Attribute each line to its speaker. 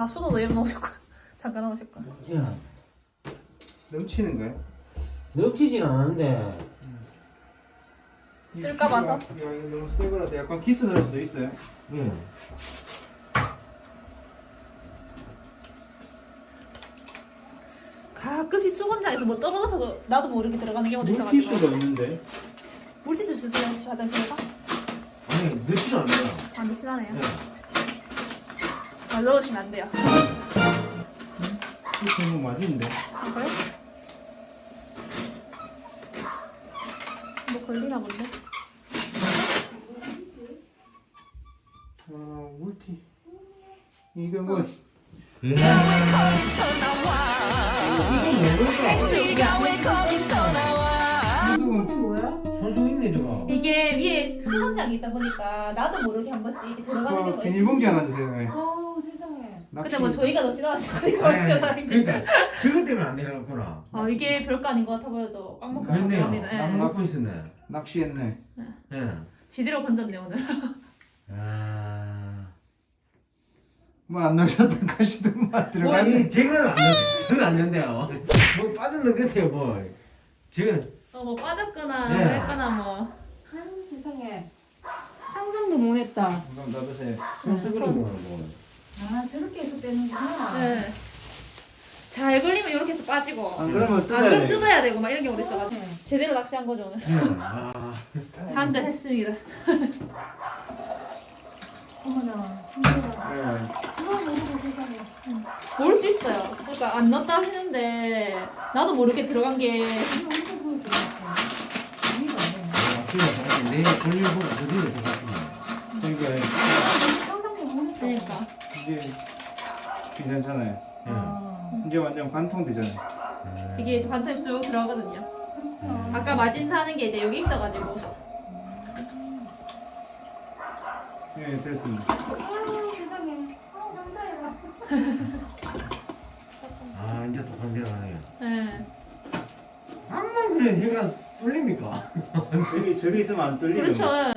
Speaker 1: 아 수도도 이름 넣으실 거야. 잠깐 넣으실 거야.
Speaker 2: 야,
Speaker 3: 넘치는 거예요?
Speaker 2: 넘치진 않은데.
Speaker 1: 쓸까 봐서.
Speaker 3: 야, 이거 너무 새 거라서 약간 기스 날 수도 있어요.
Speaker 2: 예.
Speaker 1: 가끔씩 수건장에서 뭐 떨어져서도 나도 모르게 들어가는 경우도 있어가지고.
Speaker 3: 물티슈가 있는데.
Speaker 1: 물티슈 쓰세요 화장실에서?
Speaker 2: 아니, 넣지는 않아요.
Speaker 1: 안 드시나네요.
Speaker 2: 예.
Speaker 1: 아, 넣으시면 안 돼요.
Speaker 3: 이거 너무 맞은데.
Speaker 1: 아 그래? 뭐 걸리나 본데?
Speaker 3: 아, 물티. 이거 뭐.
Speaker 2: 이게 손수 있네, 저거.
Speaker 1: 이게 위에 수건장이 있다 보니까 나도 모르게 한 번씩 이렇게 들어가는 경우가 있어요.
Speaker 3: 비닐봉지 하나 주세요. 네.
Speaker 4: 어 세상에.
Speaker 1: 근데 뭐 저희가 넣지도 않았으니까
Speaker 2: 아니,
Speaker 1: 어쩌다
Speaker 2: 그러니까, 저것 때문에 안 내려갔구나.
Speaker 1: 이게 별거 아닌 것 같아 보여도 꽉 먹고
Speaker 2: 그렇네요.
Speaker 1: 갑니다.
Speaker 2: 딱
Speaker 1: 예.
Speaker 2: 먹고 있었네.
Speaker 3: 낚시했네.
Speaker 2: 예.
Speaker 1: 지대로 건졌네 오늘.
Speaker 2: 아.
Speaker 3: 뭐 안 낚셨던 가시던만 들어가지.
Speaker 2: 아니, 제가 안 넣었어요. 저는 안 넣는데요. 뭐 빠졌는 것 같아요, 뭐. 지금,
Speaker 1: 뭐 빠졌거나
Speaker 2: 네.
Speaker 1: 했거나 뭐.
Speaker 4: 아유 세상에. 상상도 못했다.
Speaker 3: 그럼 놔두세요.
Speaker 2: 손수 그런 거는 뭐.
Speaker 4: 아 저렇게 해서 빼는구나.
Speaker 1: 네. 잘 걸리면 이렇게 해서 빠지고.
Speaker 3: 안 그러면
Speaker 1: 안 그럼
Speaker 3: 뜯어야 돼.
Speaker 1: 뜯어야 되고 막 이런 경우도 있어가지고
Speaker 4: 네.
Speaker 1: 제대로 낚시한 거죠 오늘.
Speaker 2: 아.
Speaker 1: 한 대 했습니다.
Speaker 4: 어머나 신기하다.
Speaker 3: 네.
Speaker 4: 그거 모르고 세상에.
Speaker 1: 모를 수 있어요. 그러니까 안 넣었다 하시는데 나도 모르게 들어간 게
Speaker 4: 이거 어디서 보여주겠어. 의미가 없네.
Speaker 2: 내일 돌려보고 그대로 들어갔구나.
Speaker 3: 그러니까
Speaker 4: 상상도 못했다.
Speaker 1: 그러니까.
Speaker 3: 이게 괜찮잖아요.
Speaker 4: 아,
Speaker 3: 이제 완전 관통되잖아요.
Speaker 1: 이게 이제 반타임 쑥 들어가거든요.
Speaker 4: 그렇구나.
Speaker 1: 아까 마진사 하는 게 이제 여기 있어가지고.
Speaker 3: 네, 됐습니다.
Speaker 4: 아유 세상에. 감사해요.
Speaker 2: 아, 이제 또 반대로 가네요.
Speaker 1: 네.
Speaker 2: 암만 그래, 얘가 뚫립니까?
Speaker 3: 저기 있으면 안 뚫리는
Speaker 1: 그렇죠.
Speaker 3: 거.